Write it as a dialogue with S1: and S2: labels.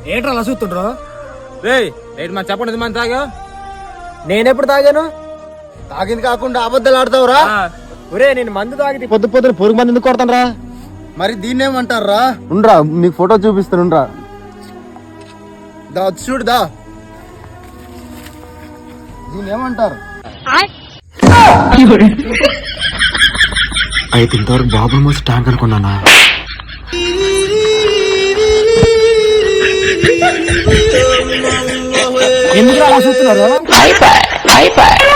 S1: ఏంట్రా అలా చూస్తుండ్రు?
S2: రేట్ మన చెప్పండి మన తాగా.
S1: నేనెప్పుడు తాగాను?
S2: తాగింది కాకుండా అబద్ధాలు ఆడతావురా?
S1: ఒరే నేను మందు తాగితే
S2: పొద్దు పొద్దున పొరుగు మంది ఎందుకు కొడతానరా? మరి దీన్ని ఏమంటారా? ఉండ్రా నీకు ఫోటో చూపిస్తానుండ్రా. దా చూడుదా దీన్ని ఏమంటారు?
S3: అయితే ఇంతవరకు బాబుల్ మోసి ట్యాంక్ అనుకున్నానా?
S1: ఎందుకు అలా చూస్తున్నారు?